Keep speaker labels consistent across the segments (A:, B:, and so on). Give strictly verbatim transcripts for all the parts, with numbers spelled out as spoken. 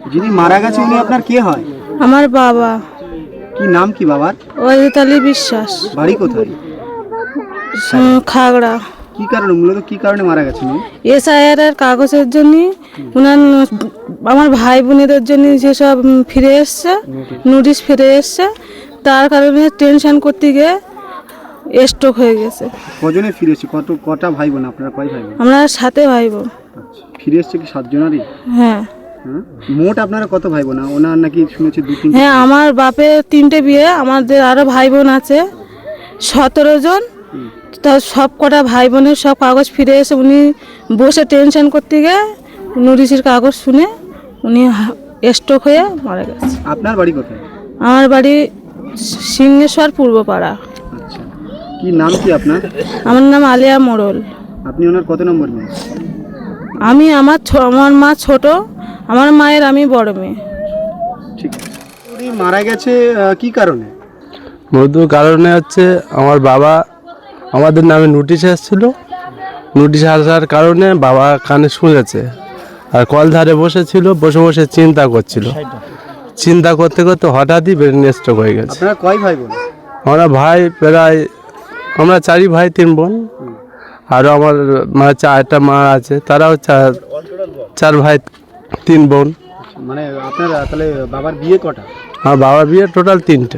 A: যিনি মারা গেছে উনি আপনার কে হয়?
B: আমার বাবা।
A: কি নাম কি বাবার?
B: ওয়াজিদ বিশ্বাস।
A: বাড়ি কোথায়?
B: উম, খাগড়া।
A: কি কারণে, মূলত কি কারণে মারা গেছেন উনি?
B: এসআইআর এর কাগজের জন্য উনার আমার ভাই বোনেদের জন্য যেসব উম, ফিরে এসছে, নোটিশ ফিরে এসছে, তার কারণে টেনশন করতে গিয়ে স্ট্রোক হয়ে গেছে।
A: কজনে ফিরে এসেছে? কত কটা ভাই বোন আপনারা? কয় ভাই বোন?
B: আমরা সাথে ভাই বোন।
A: আচ্ছা, ফিরে এসছে কি সাতজনারই?
B: হ্যাঁ
A: হ্যাঁ, মোট আপনারা কত ভাই বোন? ওনার নাকি শুনেছি দু তিন।
B: হ্যাঁ, আমার বাপের তিনটে বিয়ে, আমাদের আরো ভাই বোন আছে সতেরো জন। তা সব কটা ভাই বোনের সব কাগজ ফিরে এসে উনি বসে টেনশন করতে গিয়ে নোটিশের কাগজ শুনে উনি স্ট্রোক হয়ে মারা গেছে।
A: আপনার বাড়ি কোথায়?
B: আমার বাড়ি সিংহেশ্বর পূর্বপাড়া।
A: আচ্ছা, কি নাম কি আপনার?
B: আমার নাম আলিয়া মোড়ল।
A: আপনি ওনার কত নম্বর মেয়ে?
B: আমি আমার ছ- আমার মা ছোট, আমার মায়ের আমি বড় মেয়ে।
A: ঠিক আছে। উনি মারা গেছে আহ, কি কারণে?
C: মূলত কারণে হচ্ছে আমার বাবা আমাদের নামে নোটিশ এসেছিল, নোটিশ আসার কারণে বাবা কানে শুনেছে আর কল ধারে বসেছিল, বসে বসে চিন্তা করছিল, চিন্তা করতে করতে হঠাৎই ব্রেন স্ট্রোক হয়ে গেছে।
A: আপনারা কয় ভাই বোন?
C: আমরা ভাই প্রায় আমরা চারি ভাই তিন বোন, আরও আমার মা চারটা মা আছে, তারাও চার চার ভাই তিন বোন।
A: মানে আপনার তাহলে বাবার বিয়ে কটা?
C: আমার বাবার বিয়ে টোটাল তিনটে।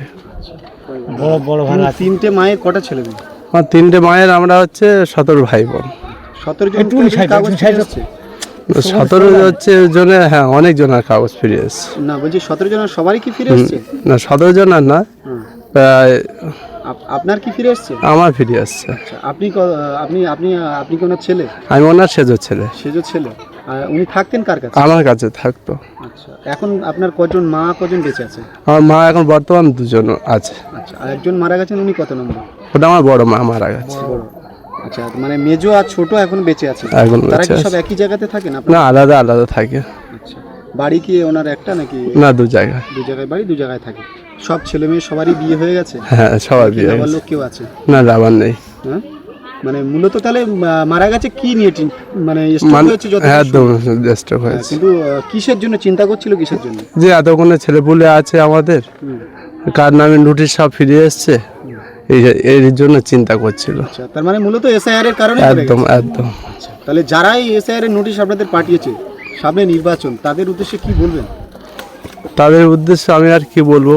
A: বড় বড় ভাই তিনটে মায়ের কটা ছেলে মেয়ে?
C: আমার তিনটে মায়ের আমরা হচ্ছে সতেরো ভাই বোন।
A: সতেরো জন কাগজ ফিরে এসেছে?
C: সতেরো হচ্ছে জনে, হ্যাঁ অনেক জনের কাগজ ফিরে এসছে।
A: না বলছি সতেরো জনের সবারই কি ফিরে এসেছে?
C: না সতেরো জনের না, প্রায়
A: আপ- আপনার কি ফিরে এসেছে?
C: আমার ফিরে আসছে।
A: আচ্ছা, আপনি ক- আপনি আপনি আপনি কি ওনার ছেলে?
C: আমি ওনার সেজো ছেলে।
A: সেজো ছেলে। আর উনি থাকতেন কার কাছে?
C: আমার কাছে থাকতো।
A: আচ্ছা, এখন আপনার কজন মা কজন বেঁচে আছে?
C: আমার মা এখন বর্তমান দুজন আছে।
A: আচ্ছা, আর একজন মারা গেছেন, উনি কত নম্বর?
C: ওটা আমার বড় মা মারা গেছে।
A: বড়। আচ্ছা, মানে মেজো আর ছোট এখন বেঁচে আছে?
C: এখন
A: তারা
C: বেঁচে
A: কি সব
C: আছে।
A: একই জায়গাতে থাকেন
C: না
A: আপনারা?
C: আলাদা আলাদা থাকে।
A: আচ্ছা, বাড়ি কি ওনার একটা নাকি?
C: না দু জায়গায়।
A: দু জায়গায় বাড়ি, দু জায়গায় থাকে। সব ছেলে মেয়ে সবারই বিয়ে হয়ে গেছে?
C: হ্যাঁ সবার
A: কি
C: বিয়ে
A: আবার
C: হয়েছে।
A: লোক কেউ আছে?
C: না যাবার নেই।
A: হ্যাঁ, মানে মূলত তাহলে আহ, মারা গেছে কি নিয়ে চিন- মানে stroke
C: মানে
A: হয়েছে যত
C: একদম স্ট্রোক
A: হ্যাঁ,
C: হয়েছে।
A: কিন্তু আহ, কিসের জন্য চিন্তা করছিল, কিসের জন্য?
C: যে এতক্ষণে ছেলেপুলে আছে আমাদের,
A: হুম।
C: কার নামে নোটিশ সব ফিরে এসছে, এই এর জন্য চিন্তা করছিল।
A: আচ্ছা, তার মানে মূলত এসআইআর এর কারণে মরে
C: একদম
A: গেছে।
C: একদম।
A: আচ্ছা, তাহলে যারাই এসআইআর এর নোটিশ আপনাদের পাঠিয়েছে, সামনে নির্বাচন, তাদের উদ্দেশ্যে কি বলবেন?
C: তাদের উদ্দেশ্যে আমি আর কি বলবো,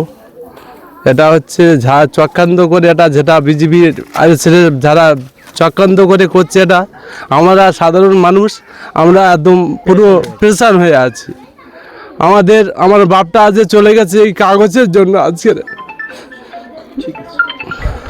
C: এটা হচ্ছে যা চক্রান্ত করে, এটা যেটা বিজেপি আর ছেলে যারা চক্রান্ত করে করছে, এটা আমরা সাধারণ মানুষ আমরা একদম পুরো প্রেশার হয়ে আছি। আমাদের আমার বাপটা আজ চলে গেছে এই কাগজের জন্য আজকে।
A: ঠিক আছে।